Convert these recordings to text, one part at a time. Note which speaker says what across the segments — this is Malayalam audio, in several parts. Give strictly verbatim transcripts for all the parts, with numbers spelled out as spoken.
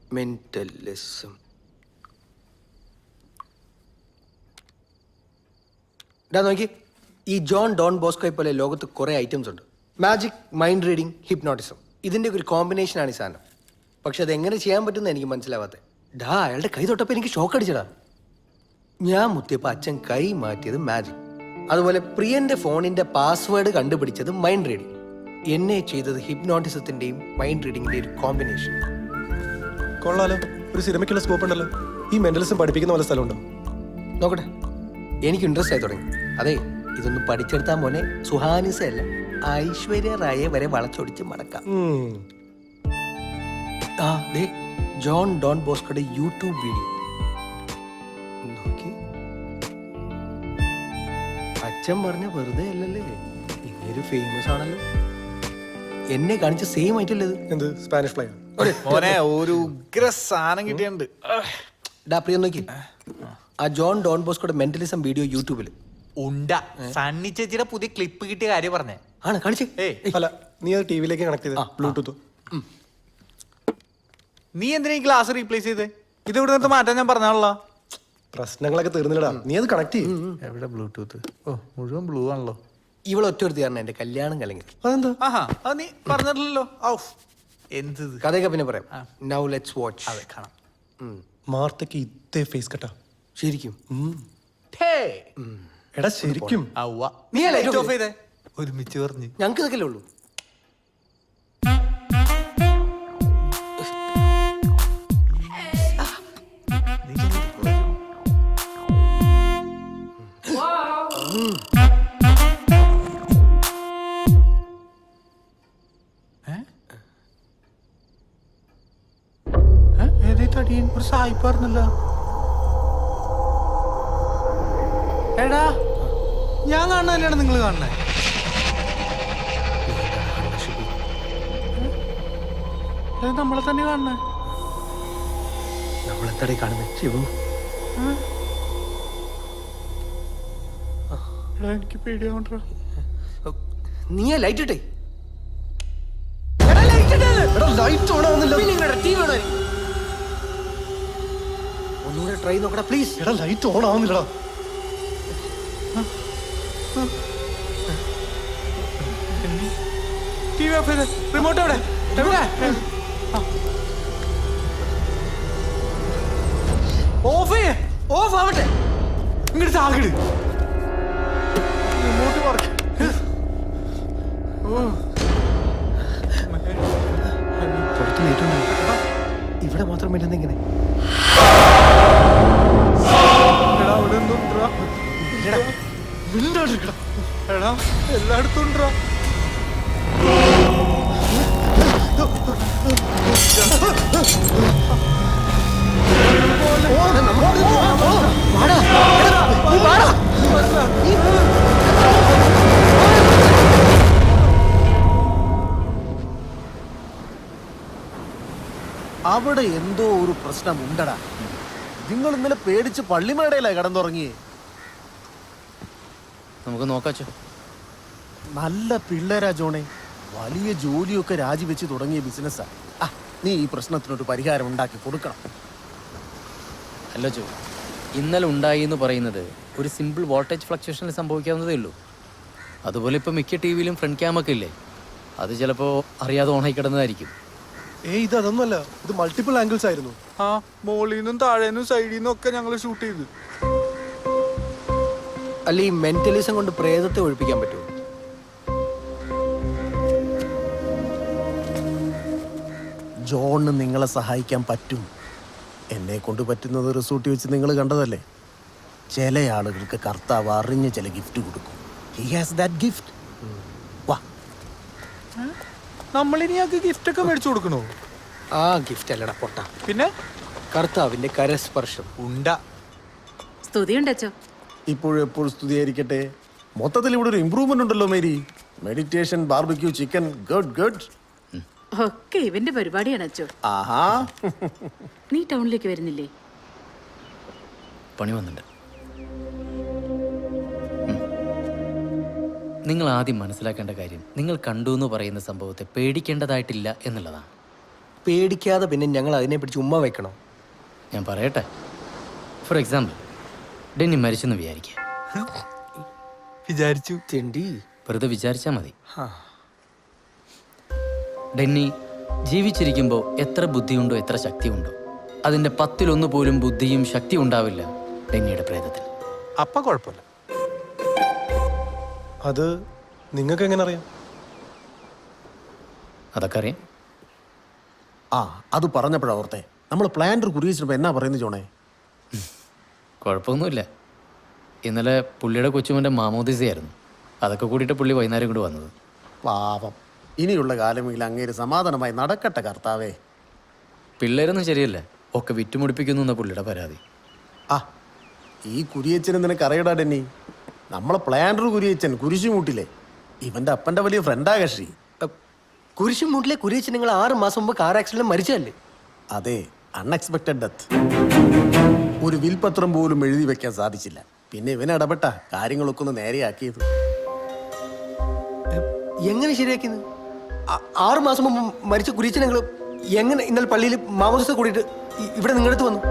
Speaker 1: മെന്റലിസം. ഇതാ നോക്കി, ഈ ജോൺ ഡോൺ ബോസ്കോയെ പോലെ ലോകത്ത് കുറേ ഐറ്റംസ് ഉണ്ട്. മാജിക്, മൈൻഡ് റീഡിങ്, ഹിപ്നോട്ടിസം, ഇതിൻ്റെ ഒരു കോമ്പിനേഷനാണ് ഈ സാധനം. പക്ഷെ അതെങ്ങനെ ചെയ്യാൻ പറ്റുമെന്ന് എനിക്ക് മനസ്സിലാവാത്തത്. ഡാ അയാളുടെ കൈ തൊട്ടപ്പോൾ എനിക്ക് ഷോക്ക് അടിച്ചടാ. ഞാൻ മുത്തിയപ്പോൾ അച്ഛൻ കൈ മാറ്റിയത് മാജിക്. അതുപോലെ പ്രിയന്റെ ഫോണിന്റെ പാസ്വേഡ് കണ്ടുപിടിച്ചത് മൈൻഡ് റീഡിങ്. എന്നെ ചെയ്തത് ഹിപ്നോട്ടിസത്തിന്റെയും മൈൻഡ് റീഡിങ്ങിന്റെയും ഒരു കോമ്പിനേഷൻ.
Speaker 2: കൊള്ളാലോ, ഒരു സിനിമയ്ക്കുള്ള സ്കോപ്പ് ഉണ്ടല്ലോ. ഈ മെന്റലിസം പഠിപ്പിക്കുന്ന പോലെ സ്ഥലമുണ്ടോ?
Speaker 1: നോക്കട്ടെ, എനിക്ക് ഇൻട്രസ്റ്റ് ആയി തുടങ്ങി. അതെ, ഇതൊന്നും പഠിച്ചെടുത്താൽ മോനെ സുഹാനിസ അല്ല, ഐശ്വര്യ റായെ വരെ വളച്ചൊടിച്ച് മടക്കാം. ആ ദേ, ജോൺ ഡോൺ ബോസ്കോയുടെ യൂട്യൂബ് വീഡിയോ നോക്കി. അച്ഛൻ പറഞ്ഞ വെറുതെ അല്ലല്ലേ, ഇങ്ങനൊരു ഫേമസ് ആണല്ലോ. എന്നെ കാണിച്ച സെയിം ആയിട്ടല്ലേ ഇത്?
Speaker 2: എന്ത് സ്പാനിഷ് ഫ്ലൈ?
Speaker 3: ഒരു ഉഗ്ര സാധനം കിട്ടിയുണ്ട്.
Speaker 1: ഡാ പ്രിയ നോക്കി, ആ ജോൺ ഡോൺ ബോസ്കോയുടെ മെന്റലിസം വീഡിയോ യൂട്യൂബിൽ
Speaker 3: ഉണ്ട. സണ്ണി ചേച്ചിയുടെ പുതിയ ക്ലിപ്പ് കിട്ടിയ കാര്യം പറഞ്ഞേ
Speaker 1: ആണ്. കാണിച്ചേ.
Speaker 2: അല്ല, നീ അത് ടി വിയിലേക്ക് കണക്ട് ചെയ്ത ബ്ലൂടൂത്ത്.
Speaker 3: നീ എന്തിനാ ഈ ഗ്ലാസ് റീപ്ലേസ് ചെയ്തേ? ഇത് ഇവിടെ നിന്ന് മാറ്റാൻ ഞാൻ പറഞ്ഞാണല്ലോ.
Speaker 2: പ്രശ്നങ്ങളൊക്കെ തീർന്നില്ലടാ, നീ അത് കണക്ട് ചെയ്യും.
Speaker 3: എവിടെ ബ്ലൂടൂത്ത്? ഓ, മുഴുവൻ ബ്ലൂ ആണല്ലോ.
Speaker 1: ഇവളൊറ്റ ഒരു കാരണം എന്റെ കല്യാണം കലങ്ങി.
Speaker 2: അതെന്താ?
Speaker 3: ആഹാ, അത് നീ പറഞ്ഞിട്ടില്ലല്ലോ. ഔഫ്, എന്ത്
Speaker 1: കഥയൊക്കെ പിന്നെ പറയാം. Now let's watch.
Speaker 3: അതെ, കാണാം.
Speaker 2: മാർത്തക്ക് ഇതേ ഫേസ് കട്ടാ
Speaker 1: ശരിക്കും.
Speaker 2: എടാ ശരിക്കും.
Speaker 3: നീ ലൈറ്റ് ഓഫ് ചെയ്തേ. ഒരുമിച്ച് പറഞ്ഞു.
Speaker 1: ഞങ്ങൾക്ക് ഇതൊക്കെ ഉള്ളൂ.
Speaker 3: ഒരു സായിപ്പാർന്നല്ലോ. എടാ, ഞാൻ കാണുന്നതന്നെയാണ് നിങ്ങൾ കാണുന്നത്. നമ്മളെ തന്നെ കാണുന്നത്.
Speaker 1: നമ്മളെത്തടെ കാണുന്നത് ശിവു?
Speaker 3: എനിക്ക് പേടിയാവണ്ട.
Speaker 1: നീ ലൈറ്റ് ഇട്ടേ. ഒന്നുകൂടെ ട്രൈ നോക്കടാ പ്ലീസ്.
Speaker 2: എടാ ലൈറ്റ് ഓൺ ആവുന്നില്ലടാ.
Speaker 3: ടി വി ഓഫ് ചെയ്ത്. റിമോട്ട് എവിടെ? എവിടെ? ഓഫ് ചെയ്യേ. ഓഫ് ആവട്ടെ. ഇങ്ങോട്ട് താകിട്. Remote work.
Speaker 1: ഇവിടെ മാത്രം പറ്റുന്ന ഇങ്ങനെ.
Speaker 3: എടാ, എല്ലായിടത്തും ഉണ്ടോ?
Speaker 4: അവിടെ എന്തോ ഒരു പ്രശ്നം ഉണ്ടടാ. നിങ്ങൾ ഇന്നലെ പേടിച്ച് പള്ളിമേടയിലായി കടന്നുറങ്ങിയേ.
Speaker 5: നമുക്ക് നോക്കാച്ചോ.
Speaker 4: നല്ല പിള്ളേരാ ജോണെ, വലിയ ജോലിയൊക്കെ രാജിവെച്ച് തുടങ്ങിയ ബിസിനസ്സാ. ആ, നീ ഈ പ്രശ്നത്തിനൊരു പരിഹാരം ഉണ്ടാക്കി കൊടുക്കണം.
Speaker 5: അല്ല ചോ, ഇന്നലെ ഉണ്ടായി എന്ന് പറയുന്നത് ഒരു സിമ്പിൾ വോൾട്ടേജ് ഫ്ലക്ച്വേഷനിൽ സംഭവിക്കാവുന്നതേ ഉള്ളൂ. അതുപോലെ ഇപ്പോൾ മിക്ക ടി വിയിലും ഫ്രണ്ട് ക്യാമൊക്കെ ഇല്ലേ, അത് ചിലപ്പോൾ അറിയാതെ ഓണായി കിടന്നതായിരിക്കും.
Speaker 2: ഏയ് ഇത് അതൊന്നുമല്ല, ഇത് മൾട്ടിപ്പിൾ ആംഗിൾസ് ആയിരുന്നു.
Speaker 3: ആ, മോളിൽ നിന്നും താഴേന്നും സൈഡിൽ നിന്നും ഒക്കെ ഞങ്ങൾ ഷൂട്ട് ചെയ്തു.
Speaker 1: അല്ല, ഈ മെന്റലിസം കൊണ്ട് പ്രേതത്തെ ഒഴിപ്പിക്കാൻ പറ്റുമോ?
Speaker 4: ജോണിന് നിങ്ങളെ സഹായിക്കാൻ പറ്റും. എന്നെ കൊണ്ട് പറ്റുന്നത് റിസോർട്ടിൽ വെച്ച് നിങ്ങൾ കണ്ടതല്ലേ. ചില ആളുകൾക്ക് കർത്താവ് അറിഞ്ഞ് ചില ഗിഫ്റ്റ് കൊടുക്കും. He has that gift. വാ,
Speaker 3: നമ്മളിനി ഞങ്ങൾക്ക് ഗിഫ്റ്റ് ഒക്കെ മേടിച്ചു കൊടുക്കണോ?
Speaker 1: ആ ഗിഫ്റ്റ് അല്ലടാ പൊട്ട,
Speaker 3: പിന്നെ
Speaker 1: കർത്താവിന്റെ കരസ്പർശം.
Speaker 3: ഉണ്ട.
Speaker 6: സ്തുതിയുണ്ടോ?
Speaker 4: ഇപ്പോഴും എപ്പോഴും സ്തുതിയായിരിക്കട്ടെ. മൊത്തത്തിൽ ഇവിടെ ഒരു ഇമ്പ്രൂവ്മെന്റ് ഉണ്ടല്ലോ Mary. Meditation, barbecue, chicken, good good.
Speaker 6: ഒക്കെ ഇവന്റെ പരിപാടിയാണ് അച്ചോ.
Speaker 4: ആഹാ,
Speaker 6: നീ ടൗണിലേക്ക് വരുന്നില്ലേ?
Speaker 5: പണി വന്നിട്ടുണ്ട്. നിങ്ങൾ ആദ്യം മനസ്സിലാക്കേണ്ട കാര്യം, നിങ്ങൾ കണ്ടു എന്ന് പറയുന്ന സംഭവത്തെ പേടിക്കേണ്ടതായിട്ടില്ല എന്നുള്ളതാണ്.
Speaker 1: പേടിക്കാതെ പിന്നെ ഞങ്ങൾ അതിനെ പിടിച്ച് ഉമ്മ വെക്കണോ?
Speaker 5: ഞാൻ പറയട്ടെ. ഫോർ എക്സാമ്പിൾ, ഡെന്നി മരിച്ചെന്ന് വിചാരിക്കുക.
Speaker 3: വിചാരിച്ചു.
Speaker 1: ചെണ്ടി.
Speaker 5: വെറുതെ വിചാരിച്ചാൽ മതി. ഡെന്നി ജീവിച്ചിരിക്കുമ്പോൾ എത്ര ബുദ്ധിയുണ്ടോ എത്ര ശക്തിയുണ്ടോ അതിൻ്റെ പത്തിലൊന്നു പോലും ബുദ്ധിയും ശക്തിയും ഉണ്ടാവില്ല ഡെന്നിയുടെ പ്രേതത്തിൽ.
Speaker 3: അപ്പ കുഴപ്പമില്ല.
Speaker 2: അത് നിങ്ങൾക്ക് എങ്ങനെ അറിയാം?
Speaker 5: അതൊക്കെ അറിയാം.
Speaker 4: ആ അത് പറഞ്ഞപ്പോഴാ ഓർത്തെ, നമ്മൾ പ്ലാന്റ് കുറിയിച്ചപ്പോൾ എന്നാ പറയുന്നത് ജോണേ?
Speaker 5: കുഴപ്പമൊന്നുമില്ല. ഇന്നലെ പുള്ളിയുടെ കൊച്ചുമൻ്റെ മാമോദിസയായിരുന്നു. അതൊക്കെ കൂടിയിട്ട് പുള്ളി വൈകുന്നേരം കൊണ്ട് വന്നത്.
Speaker 4: പാപം, ഇനിയുള്ള കാലമെങ്കിൽ അങ്ങേര് സമാധാനമായി നടക്കട്ടെ കർത്താവേ.
Speaker 5: പിള്ളേരൊന്നും ശരിയല്ല, ഒക്കെ വിറ്റുമുടിപ്പിക്കുന്നു എന്ന പുള്ളിയുടെ പരാതി.
Speaker 4: ആ ഈ കുരിയച്ചനെ നിനക്ക് അറിയടാ ഡെന്നി, നമ്മളെ പ്ലാന്റർ കുരിയച്ചൻ കുരിശുമൂട്ടിലെ ഇവന്റെ അപ്പന്റെ വലിയ ഫ്രണ്ടാ കക്ഷി.
Speaker 1: കുരിശുമൂട്ടിലെ കുരിയച്ചൻ നിങ്ങൾ ആറ് മാസം മുമ്പ് കാർ ആക്സിഡന്റ് മരിച്ചതല്ലേ?
Speaker 4: അതെ, അൺഎക്സ്പെക്റ്റഡ് ഡെത്ത്. ഒരു വിൽപത്രം പോലും എഴുതി വെക്കാൻ സാധിച്ചില്ല. പിന്നെ ഇവൻ ഇടപെട്ട കാര്യങ്ങളൊക്കെ ഒന്ന് നേരെയാക്കിയത്.
Speaker 1: എങ്ങനെ ശരിയാക്കിയത്? ആ- ആറ് മാസം മുമ്പ് മരിച്ച കുരിയച്ചൻ നിങ്ങൾ എങ്ങനെ ഇന്നലെ പള്ളിയിൽ മാമോദിസ കൂടിയിട്ട് ഇ- ഇവിടെ നിങ്ങളടുത്ത് വന്നു?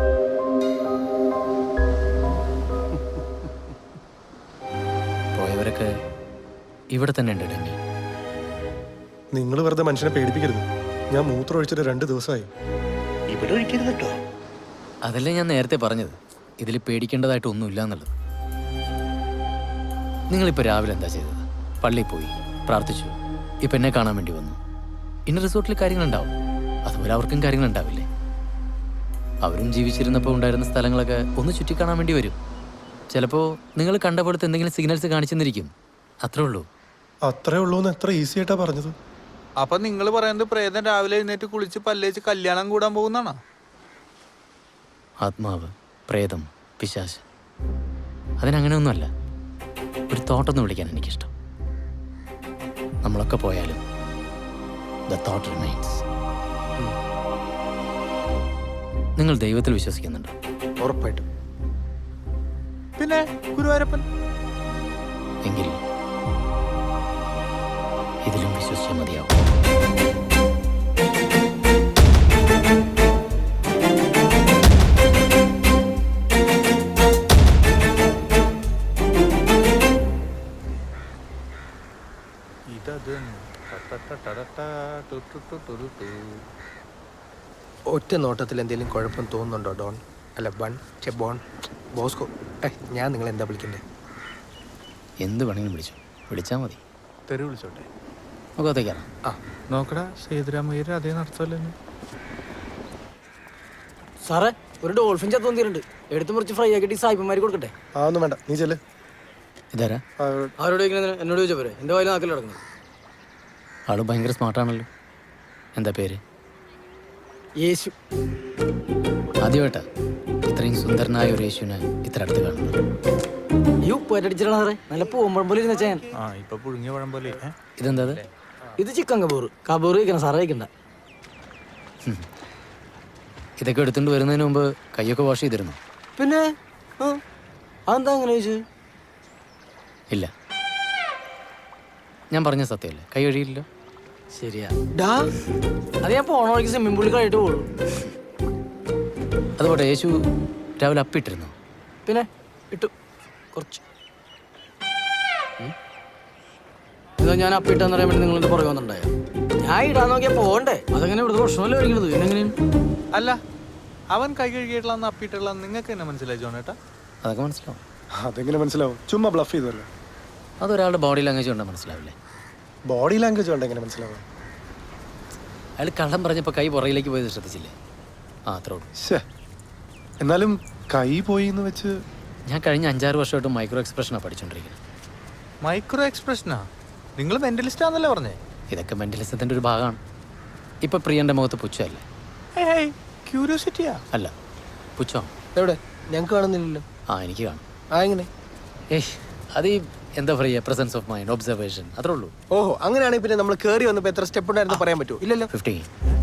Speaker 5: പോയവരൊക്കെ ഇവിടെ തന്നെ ഉണ്ട് ഡെന്നി.
Speaker 2: നിങ്ങൾ വെറുതെ മനുഷ്യനെ പേടിപ്പിക്കരുത്. ഞാൻ മൂത്രം ഒഴിച്ചിട്ട് രണ്ട് ദിവസമായി.
Speaker 1: ഇവിടെ ഒഴിക്കരുത് കേട്ടോ.
Speaker 5: അതല്ലേ ഞാൻ നേരത്തെ പറഞ്ഞത്, ഇതിൽ പേടിക്കേണ്ടതായിട്ട് ഒന്നുമില്ല എന്നുള്ളത്. നിങ്ങളിപ്പോൾ രാവിലെ എന്താ ചെയ്തത്? പള്ളിയിൽ പോയി പ്രാർത്ഥിച്ചു, ഇപ്പം എന്നെ കാണാൻ വേണ്ടി വന്നു. ഇന്ന റിസോർട്ടിൽ കാര്യങ്ങളുണ്ടാവും, അതുപോലെ അവർക്കും കാര്യങ്ങളുണ്ടാവില്ലേ? അവരും ജീവിച്ചിരുന്നപ്പോൾ ഉണ്ടായിരുന്ന സ്ഥലങ്ങളൊക്കെ ഒന്ന് ചുറ്റിക്കാണാൻ വേണ്ടി വരും. ചിലപ്പോൾ നിങ്ങൾ കണ്ട പോലത്തെ എന്തെങ്കിലും സിഗ്നൽസ് കാണിച്ചെന്നിരിക്കും. അത്രേ ഉള്ളൂ.
Speaker 2: അത്രേ ഉള്ളൂ എന്ന് എത്ര ഈസി ആയിട്ടാ പറഞ്ഞത്.
Speaker 3: അപ്പൊ നിങ്ങൾ പറയുന്നത് പ്രേതം രാവിലെ എഴുന്നേറ്റ് കുളിച്ച് പല്ലേച്ച് കല്യാണം കൂടാൻ പോകുന്നാണോ?
Speaker 5: ആത്മാവ്, പ്രേതം, പിശാച്, അതിനങ്ങനെയൊന്നുമല്ല. ഒരു തോട്ടൊന്ന് വിളിക്കാൻ എനിക്കിഷ്ടം. നമ്മളൊക്കെ പോയാലും ദ തോട്ട് റിമൈൻസ്. നിങ്ങൾ ദൈവത്തിൽ വിശ്വസിക്കുന്നുണ്ടോ?
Speaker 1: ഉറപ്പായിട്ടും.
Speaker 3: പിന്നെ ഗുരുവായൂരപ്പൻ.
Speaker 5: എങ്കിൽ ഇതിലും വിശ്വസിച്ചാൽ മതിയാവും.
Speaker 1: ഒറ്റ നോട്ടത്തിൽ എന്തെങ്കിലും കുഴപ്പം തോന്നുന്നുണ്ടോ ഡോൺ? അല്ല ബൺ ചെ ബോൺ ബോസ്കോ. ഏ ഞാൻ നിങ്ങൾ എന്താ വിളിക്കണ്ടേ?
Speaker 5: എന്ത് വേണമെങ്കിലും വിളിച്ചു, വിളിച്ചാൽ മതി.
Speaker 3: തെറി വിളിച്ചോട്ടെ.
Speaker 5: മുഖത്തേക്കാണ്.
Speaker 1: ആ
Speaker 3: നോക്കടാ, സേതുരാമയ്യർ അതേ നടത്തല്ലേ.
Speaker 7: സാറേ, ഒരു ഡോൾഫിൻ ചത്തു വന്നിട്ടുണ്ട്. എടുത്ത് മുറിച്ച് ഫ്രൈ ആക്കിയിട്ട് ഈ സായിപ്പന്മാർ കൊടുക്കട്ടെ?
Speaker 2: ആ ഒന്നും വേണ്ട, നീ ചെല്ല്.
Speaker 5: ഇതാരാ?
Speaker 2: ആ,
Speaker 7: അവരോട് ചോദിക്കുന്നത് എന്നോട് ചോദിച്ചാൽ പോരെ? എൻ്റെ വായിൽ നാക്കിൽ കിടക്കുന്നത്.
Speaker 5: ആള് ഭയങ്കര സ്മാർട്ടാണല്ലോ. എന്താ പേര്?
Speaker 7: യേശു.
Speaker 5: ആദ്യമായിട്ടാ ഇത്രയും സുന്ദരനായ ഒരു യേശുവിനെ ഇത്ര അടുത്ത് കാണുന്നത്.
Speaker 7: ഈ ഉപ്പേറ്റടിച്ചിട്ടാണ് സാറേ, നല്ല പൂമ്പഴം പോലെ ഇരുന്ന ചെയ്യാൻ.
Speaker 3: ആ ഇപ്പൊ പുഴുങ്ങിയ പഴം പോലെ.
Speaker 5: ഇതെന്താ അത്?
Speaker 7: ഇത് ചിക്കൻ കബൂർ. കബൂർ കഴിക്കണം സാറേ, കഴിക്കണ്ട.
Speaker 5: ഇതൊക്കെ എടുത്തുകൊണ്ട് വരുന്നതിന് മുമ്പ് കൈയൊക്കെ വാഷ് ചെയ്തിരുന്നു?
Speaker 7: പിന്നെ ആ അതെന്താ അങ്ങനെ ചോദിച്ചു?
Speaker 5: ഇല്ല, ഞാൻ പറഞ്ഞ സത്യമല്ലേ, കൈ കഴിയില്ല.
Speaker 7: ശരിയാ.
Speaker 1: ഡാ
Speaker 7: അത് ഞാൻ പോണ വഴിക്ക് സ്വിമ്മിംഗ് പൂളിൽ കഴിയിട്ട് പോകുള്ളൂ.
Speaker 5: അതുപോലെ യേശു രാവിലെ അപ്പിട്ടിരുന്നു?
Speaker 7: പിന്നെ ഇട്ടു കുറച്ച്. ഇതാ ഞാൻ അപ്പിട്ടെന്ന് പറയാൻ വേണ്ടി നിങ്ങളുടെ പുറകെ വന്നിട്ടുണ്ടായ. ഞാൻ ഇടാൻ നോക്കിയാൽ പോകണ്ടേ? അതങ്ങനെ ഇവിടുത്തെ പ്രശ്നമല്ലേ കഴിക്കണത്? എങ്ങനെയാണ്?
Speaker 3: അല്ല, അവൻ കൈ കഴുകിയിട്ടുള്ള അപ്പിട്ടുള്ള നിങ്ങൾക്ക് എന്നെ മനസ്സിലായി ജോണേട്ടാ?
Speaker 5: അതൊക്കെ മനസ്സിലാവും.
Speaker 2: അതെങ്ങനെ മനസ്സിലാവും? ചുമ്മാ ബ്ലഫ് ചെയ്തല്ലോ.
Speaker 5: അതൊരാളുടെ ബോഡി ലാംഗ്വേജ് കൊണ്ടാൽ മനസ്സിലാവില്ലേ?
Speaker 2: ബോഡി ലാംഗ്വേജ് കൊണ്ട് എങ്ങനെ മനസ്സിലാവും?
Speaker 5: അയാൾ കള്ളം പറഞ്ഞപ്പോൾ കൈ പുറകിലേക്ക് പോയത് ശ്രദ്ധിച്ചില്ലേ? ആ അത്രേ ഉള്ളൂ.
Speaker 2: ശ്ശേ, എന്നാലും കൈ പോയി എന്ന് വെച്ച്
Speaker 5: ഞാൻ കഴിഞ്ഞ അഞ്ചാറ് വർഷമായിട്ട് മൈക്രോ എക്സ്പ്രഷനാണ് പഠിച്ചുകൊണ്ടിരിക്കുന്നത്.
Speaker 3: മൈക്രോ എക്സ്പ്രഷനാ? നിങ്ങൾ മെന്റലിസ്റ്റ് ആണെന്നല്ലേ പറഞ്ഞേ?
Speaker 5: ഇതൊക്കെ മെന്റലിസത്തിൻ്റെ ഒരു ഭാഗമാണ്. ഇപ്പം പ്രിയൻ്റെ മുഖത്ത് പുച്ഛമല്ലേ?
Speaker 3: ക്യൂരിയോസിറ്റിയാ.
Speaker 5: അല്ല, പുച്ഛം.
Speaker 1: എവിടെ? ഞങ്ങൾക്ക് കാണുന്നില്ലല്ലോ.
Speaker 5: ആ എനിക്ക് കാണും.
Speaker 1: ആ എങ്ങനെ?
Speaker 5: ഏയ് അത് ഈ എന്താ പറയുക, പ്രസൻസ് ഓഫ് മൈൻഡ്, ഒബ്സർവേഷൻ, അത്രേ ഉള്ളൂ.
Speaker 1: ഓഹോ, അങ്ങനെയാണെങ്കിൽ പിന്നെ നമ്മൾ കയറി വന്നപ്പോൾ എത്ര സ്റ്റെപ്പ് ഉണ്ടായിരുന്നു പറയാൻ പറ്റുമോ? ഇല്ലല്ലോ.
Speaker 5: ഫിഫ്റ്റീൻ